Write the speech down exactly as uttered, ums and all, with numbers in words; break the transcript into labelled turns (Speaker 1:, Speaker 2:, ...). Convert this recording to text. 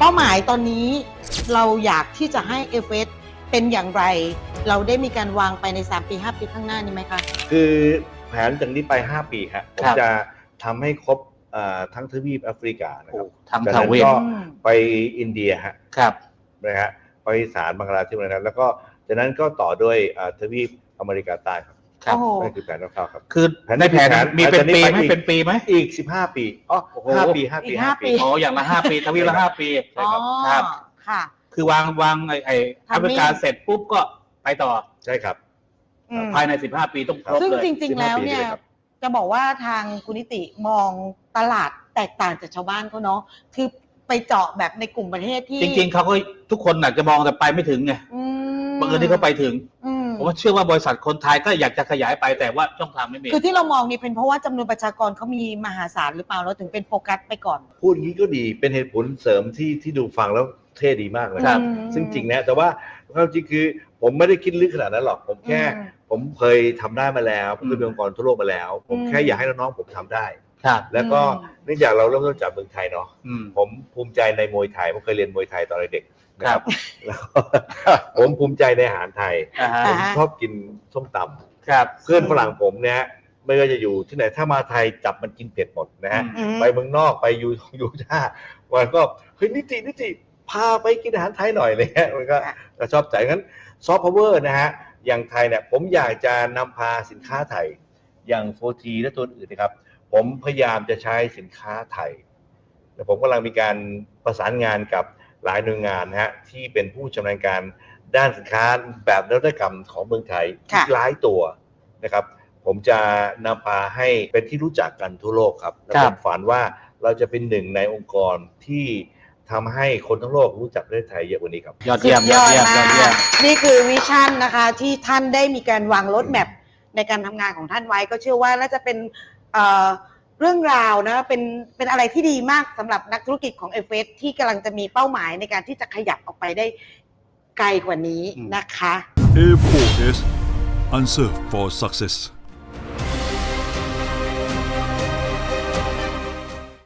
Speaker 1: ป้าหมายตอนนี้เราอยากที่จะให้ เอฟ เอส เป็นอย่างไรเราได้มีการวางไปในสามปีห้าปีข้างหน้านี้ไหมคะ
Speaker 2: คือแผนจากนี้ไปห้าปีครับผมจะทำให้ครบทั้งทวีปแอฟริกานะครับ
Speaker 3: ทั้งทวีป
Speaker 2: ก็ไปอินเดียฮะ
Speaker 3: ครับ
Speaker 2: นะฮะไปสารบังกลาเทศนะครับแล้วก็จากนั้นก็ต่อด้วยทวีปอเมริกาใต้ครับ
Speaker 3: ครับ
Speaker 2: นั่นคือแผนคร่าวๆครับ
Speaker 3: คือในแผนมีเป็นปีไหมเป็นปีไหม
Speaker 2: อีกสิบห้าปีอ๋อห้าปีห้าปีห้าปี
Speaker 3: อ๋ออย่างละห้าปีทวีปละห้าปี
Speaker 2: ใช่ครับ
Speaker 3: ครับ
Speaker 1: ค่ะ
Speaker 3: คือวางวางไอ้ไอ้แอฟริกาเสร็จปุ๊บก็ไปต่อ
Speaker 2: ใช่ครับ
Speaker 3: ภายในสิบห้าปีต้องครบเลย
Speaker 1: ซึ่งจริงๆแล้วเนี่ยจะบอกว่าทางคุณนิติมองตลาดแตกต่างจากชาวบ้านเขาเนาะคือไปเจาะแบบในกลุ่มประเทศที่
Speaker 3: จริงๆเขาก็ทุกคนอาจจะมองแต่ไปไม่ถึงไงบางคนที่เขาไปถึงผมว่าเชื่อว่าบริษัทคนไทยก็อยากจะขยายไปแต่ว่าช่องทางไม่มี
Speaker 1: คือที่เรามองนี่เป็นเพราะว่าจำนวนประชากรเขามีมหาศาลหรือเปล่าเราถึงเป็นโฟกัสไปก่อน
Speaker 2: พูดอย่างนี้ก็ดีเป็นเหตุผลเสริมที่ที่ดูฟังแล้วเท่ดีมากเลยครับซึ่งจริงนะแต่ว่าความจริงคือผมไม่ได้คิดลึกขนาดนั้นหรอกผมแค่ผมเคยทำได้มาแล้วผมเคยเป็นองค์กรทั่วโลกมาแล้วผมแค่อยากให้น้องๆผมทำได้แล้วก็เนื่องจากเราเริ่มต้นจากเมืองไทยเนาะผมภูมิใจในมวยไทยผมเคยเรียนมวยไทยตอนเด็กนะครับแล้วผมภูมิใจในอาหารไทยผมชอบกินส้มตำ
Speaker 3: ครับ
Speaker 2: เพื่อนฝรั่งผมเนี่ยไม่ว่าจะอยู่ที่ไหนถ้ามาไทยจับมันกินเผ็ดหมดนะฮะไปเมืองนอกไปยูยูท่าวันก็เฮ้ยนิตินิติพาไปกินอาหารไทยหน่อยเลยฮะมันก็ชอบใจงั้นซอฟต์พาวเวอร์นะฮะอย่างไทยเนี่ยผมอยากจะนำพาสินค้าไทยอย่าง โฟร์ที และตัวอื่นนะครับผมพยายามจะใช้สินค้าไทยและผมกำลังมีการประสานงานกับหลายหน่วยงานนะฮะที่เป็นผู้ชำนาญการด้านสินค้าแบบนวัตกรรมของเมืองไทยหลายตัวนะครับผมจะนำพาให้เป็นที่รู้จักกันทั่วโลกครับและผมฝันว่าเราจะเป็นหนึ่งในองค์กรที่ทำให้คนทั้งโลกรู้จักประเทศไทยเยอะกว่านี้ครับ
Speaker 3: ยอดเยี่ยมยอดเยี่ยมยอดเยี่ยม
Speaker 1: นี่คือวิชั่นนะคะที่ท่านได้มีการวางรถแมพในการทำงานของท่านไว้ก็เชื่อว่าน่าจะเป็นเอ่อเรื่องราวนะเป็นเป็นอะไรที่ดีมากสำหรับนักธุรกิจของ เอฟ เอส ที่กำลังจะมีเป้าหมายในการที่จะขยับออกไปได้ไกลกว่านี้นะคะ
Speaker 4: เอ โฟร์ เอส Answer for Success